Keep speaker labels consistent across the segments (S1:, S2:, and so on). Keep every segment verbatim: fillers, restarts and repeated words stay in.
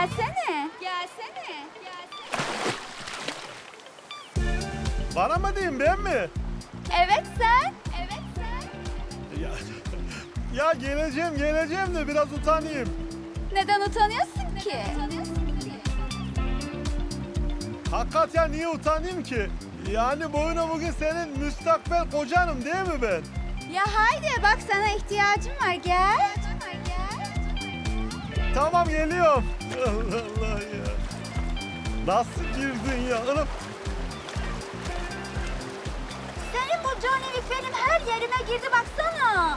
S1: Gelsene. Gelsene.
S2: Bana mı diyeyim ben mi?
S1: Evet sen. Evet sen.
S2: Ya, ya geleceğim geleceğim de biraz utanayım.
S1: Neden utanıyorsun ki?
S2: Hakikaten niye utanayım ki? Yani boyuna bugün senin müstakbel kocanım değil mi ben?
S1: Ya haydi bak sana ihtiyacım var gel.
S2: Tamam geliyorum. Allah Allah ya. Nasıl girdin ya? Anam.
S1: Senin bu Johnny Wick benim her yerime girdi baksana.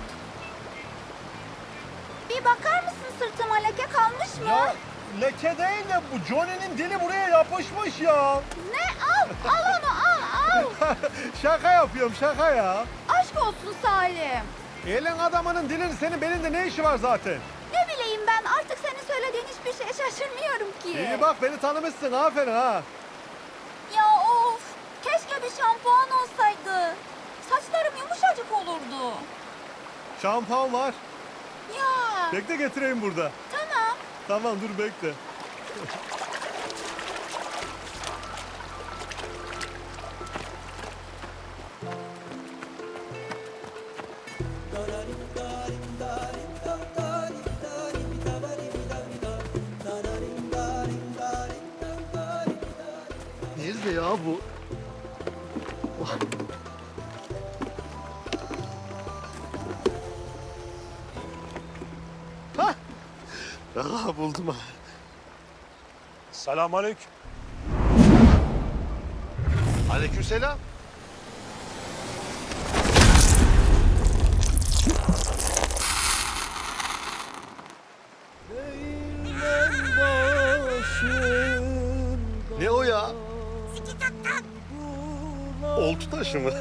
S1: Bir bakar mısın sırtıma leke kalmış mı?
S2: Ya leke değil de bu Johnny'nin dili buraya yapışmış ya.
S1: Ne? Al, al onu al, al.
S2: Şaka yapıyorum şaka ya.
S1: Aşk olsun Salim.
S2: Elin adamının dilin senin belinde ne işi var zaten?
S1: Ne bileyim ben artık senin söylediğin hiçbir şeye şaşırmıyorum ki.
S2: İyi bak beni tanımışsın aferin ha.
S1: Ya of, keşke bir şampuan olsaydı. Saçlarım yumuşacık olurdu.
S2: Şampuan var.
S1: Ya,
S2: Bekle getireyim burada.
S1: tamam.
S2: Tamam dur bekle. Nerede ya bu? Hah! Aha buldum ha.
S3: Selamünaleyküm.
S2: Aleykümselam. Ne o ya? Oltu taşı mı?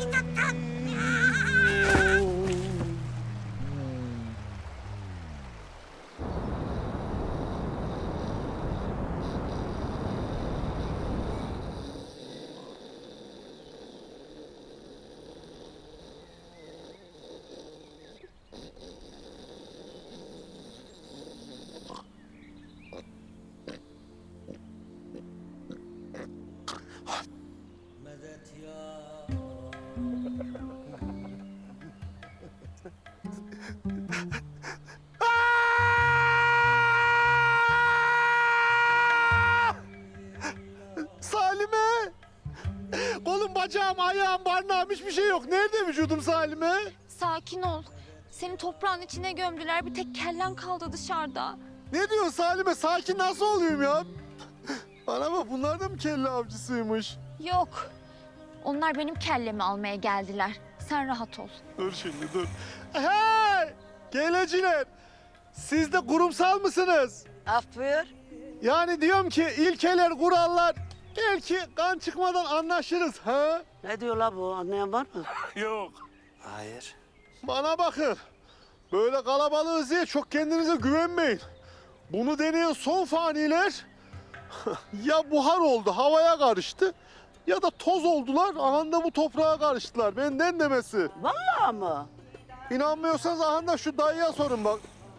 S2: Salime! Kolum, bacağım, ayağım, barnağım hiçbir şey yok. Nerede vücudum Salime?
S4: Sakin ol. Seni toprağın içine gömdüler. Bir tek kellen kaldı dışarıda.
S2: Ne diyorsun Salime? Sakin nasıl olayım ya? Bana bak bunlar da mı kelle avcısıymış?
S4: Yok. Onlar benim kellemi almaya geldiler. Sen rahat ol.
S2: Dur şimdi dur. Hey! Geleciler! Siz de kurumsal mısınız?
S5: Af buyur.
S2: Yani diyorum ki ilkeler, kurallar belki kan çıkmadan anlaşırız ha?
S5: Ne diyor la bu? Anlayan var mı?
S3: Yok.
S5: Hayır.
S2: Bana bakın. Böyle kalabalığız diye çok kendinize güvenmeyin. Bunu deneyen son faniler ya buhar oldu, havaya karıştı ya da toz oldular, ahanda bu toprağa karıştılar. Benden demesi.
S5: Vallahi mı?
S2: İnanmıyorsanız ahanda şu dayıya sorun bak.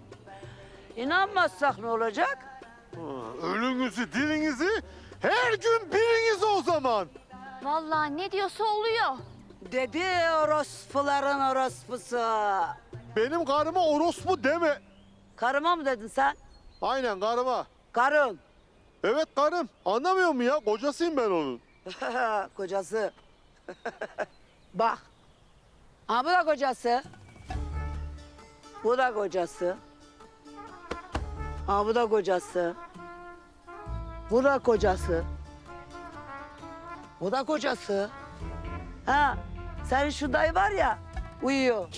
S5: İnanmazsak ne olacak?
S2: Ha, ölünüzü, dilinizi her gün biriniz o zaman.
S4: Vallahi ne diyorsa oluyor.
S5: Dedi orospuların orospusu.
S2: Benim karıma orospu deme.
S5: Karıma mı dedin sen?
S2: Aynen karıma.
S5: Karın.
S2: Evet karım. Anlamıyor mu ya? Kocasıyım ben onun.
S5: Kocası. Bak. Ha bu da kocası. Bu da kocası. Ha bu da kocası. Bu da kocası. Bu da kocası. Ha senin şu dayı var ya uyuyor.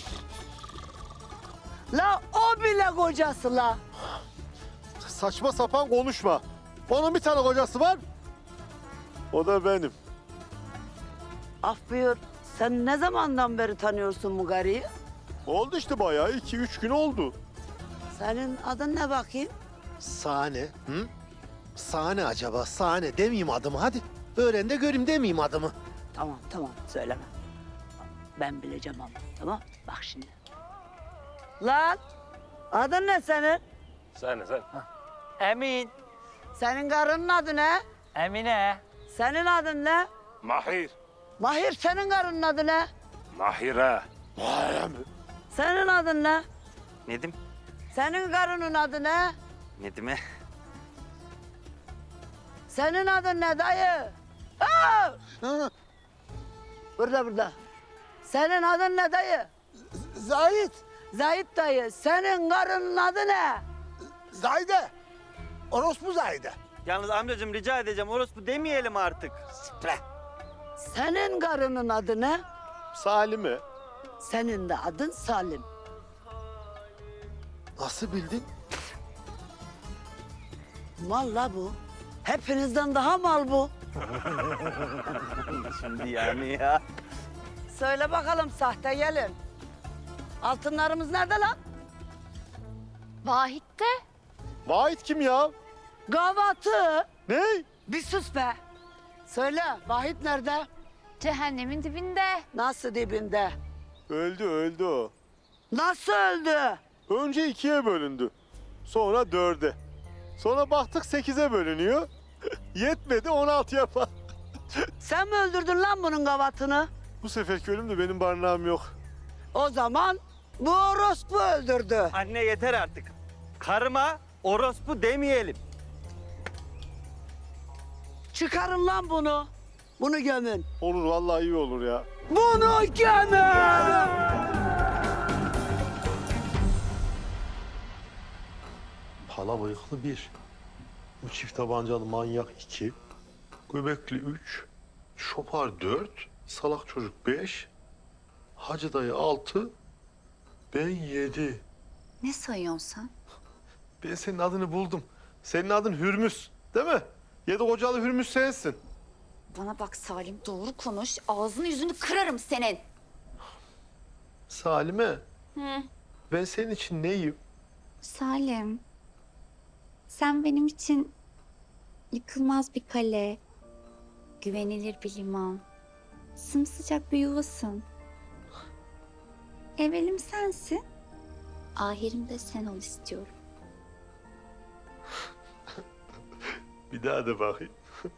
S5: La o bile kocası la.
S2: Saçma sapan konuşma. Onun bir tane kocası var. O da benim.
S5: Af buyur. Sen ne zamandan beri tanıyorsun bu garıyı?
S2: Oldu işte bayağı. iki üç gün oldu.
S5: Senin adın ne bakayım?
S6: Sahne, hı? Sahne acaba, sahne demeyeyim adımı hadi. Öğren de göreyim demeyeyim adımı.
S5: Tamam tamam söyleme. Ben bileceğim ama tamam. Bak şimdi. Lan adın ne senin?
S3: Sen sen. Emin.
S5: Senin karının adı ne?
S3: Emine.
S5: Senin adın ne?
S7: Mahir.
S5: Mahir, senin karının adı ne?
S7: Mahire.
S5: Senin adın ne?
S3: Nedim.
S5: Senin karının adı ne?
S3: Nedim'e.
S5: Senin adın ne dayı? Aa! Burada burada. Senin adın ne dayı?
S6: Zahit.
S5: Zahit dayı. Senin karının adı ne?
S6: Zahide. Orospu Zahide.
S3: Yalnız amcacığım rica edeceğim orospu demeyelim artık.
S5: Senin karının adı ne?
S2: Salime.
S5: Senin de adın Salim.
S6: Nasıl bildin?
S5: Mal la bu. Hepinizden daha mal bu.
S3: Şimdi yani ya.
S5: Söyle bakalım sahte gelin. Altınlarımız nerede lan?
S4: Vahit'te.
S2: Vahit kim ya?
S5: Gavatı.
S2: Ne?
S5: Bir sus be. Söyle Vahit nerede?
S4: Cehennemin dibinde.
S5: Nasıl dibinde?
S2: Öldü öldü o.
S5: Nasıl öldü?
S2: Önce ikiye bölündü. Sonra dörde. Sonra baktık sekize bölünüyor. Yetmedi on altı yapar.
S5: Sen mi öldürdün lan bunun gavatını?
S2: Bu seferki ölüm de benim barınağım yok.
S5: O zaman bu orospu öldürdü.
S3: Anne yeter artık. Karıma orospu demeyelim.
S5: Çıkarın lan bunu. Bunu gömün.
S2: Olur vallahi iyi olur ya.
S5: Bunu gömün!
S2: Pala bıyıklı bir. Bu çift tabancalı manyak iki. Göbekli üç. Şopar dört. Salak çocuk beş. Hacı dayı altı. Ben yedi.
S1: Ne sayıyorsun sen?
S2: Ben senin adını buldum. Senin adın Hürmüz değil mi? Yedi kocalı Hürmüz sensin.
S1: Bana bak Salim, doğru konuş. Ağzını yüzünü kırarım senin.
S2: Salime. Ben senin için neyim?
S1: Salim, sen benim için yıkılmaz bir kale, güvenilir bir liman, sımsıcak bir yuvasın. Evvelim sensin, ahirim de sen ol istiyorum.
S2: Bir daha da bakayım.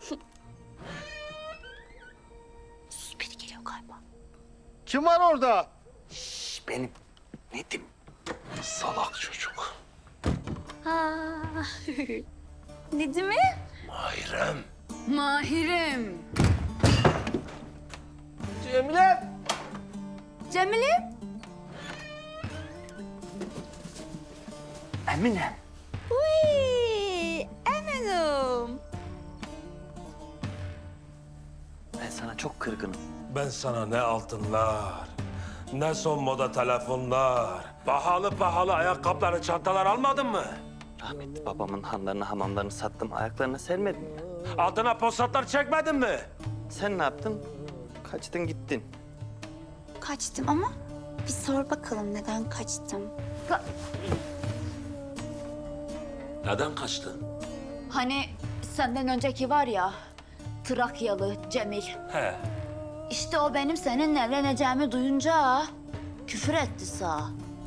S1: Sus, biri geliyor galiba.
S2: Kim var orada?
S3: Şş, benim. Nedim.
S2: Salak çocuk.
S1: Ha. Nedim mi?
S7: Mahirem.
S1: Mahir'im.
S3: Cemile.
S1: Cemil'im.
S3: Emine.
S1: Uy, eminim.
S3: Ben sana çok kırgınım.
S7: Ben sana ne altınlar, ne son moda telefonlar, pahalı pahalı ayakkabıları, çantalar almadın mı?
S3: Rahmetli babamın hanlarını, hamamlarını sattım. Ayaklarına sermedim ya.
S7: Altına posatlar çekmedin mi?
S3: Sen ne yaptın? Kaçtın gittin.
S1: Kaçtım ama bir sor bakalım neden kaçtım.
S7: Neden kaçtın?
S1: Hani senden önceki var ya, Trakyalı Cemil.
S7: He.
S1: İşte o benim seninle evleneceğimi duyunca küfür etti sağ.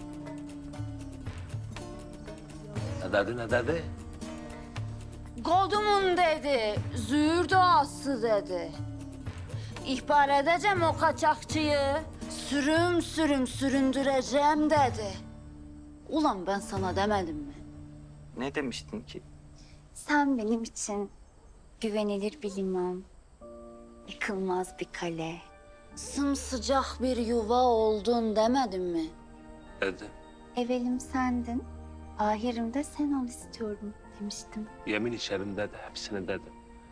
S7: Ne dedi ne dedi?
S1: Kodumun dedi, züğür doğası dedi. İhbar edeceğim o kaçakçıyı, sürüm sürüm süründüreceğim dedi. Ulan ben sana demedim mi?
S3: Ne demiştin ki?
S1: Sen benim için güvenilir bir liman, yıkılmaz bir kale, sımsıcak bir yuva oldun demedim mi?
S7: Dedi.
S1: Evvelim sendin, ahirim de sen ol istiyorum demiştim.
S7: Yemin içerim dedi, hepsini dedi.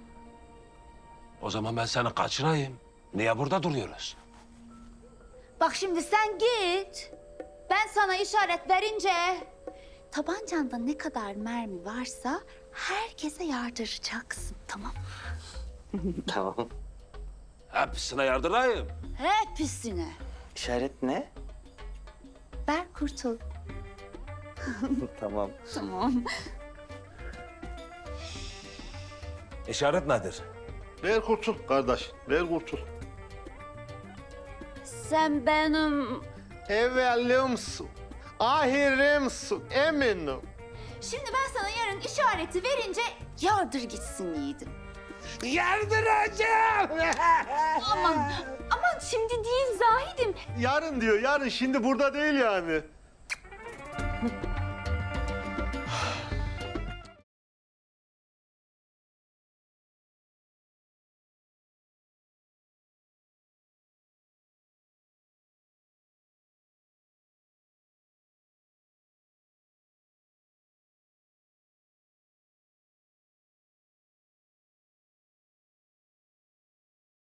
S7: O zaman ben seni kaçırayım. Niye burada duruyoruz?
S1: Bak şimdi sen git. Ben sana işaret verince tabancanda ne kadar mermi varsa herkese yardıracaksın, tamam?
S3: Tamam.
S7: Hepsine yardırayım.
S1: Hepsine.
S3: İşaret ne?
S1: Ver kurtul.
S3: Tamam.
S1: Tamam.
S7: İşaret nedir?
S2: Ver kurtul kardeş, ver kurtul.
S1: Sen benim
S2: Evvelimsin, ahirimsin, eminim.
S1: Şimdi ben sana yarın işareti verince yardır gitsin yiğidim.
S7: Yardıracağım.
S4: Aman, aman şimdi değil Zahid'im.
S2: Yarın diyor, yarın. Şimdi burada değil yani.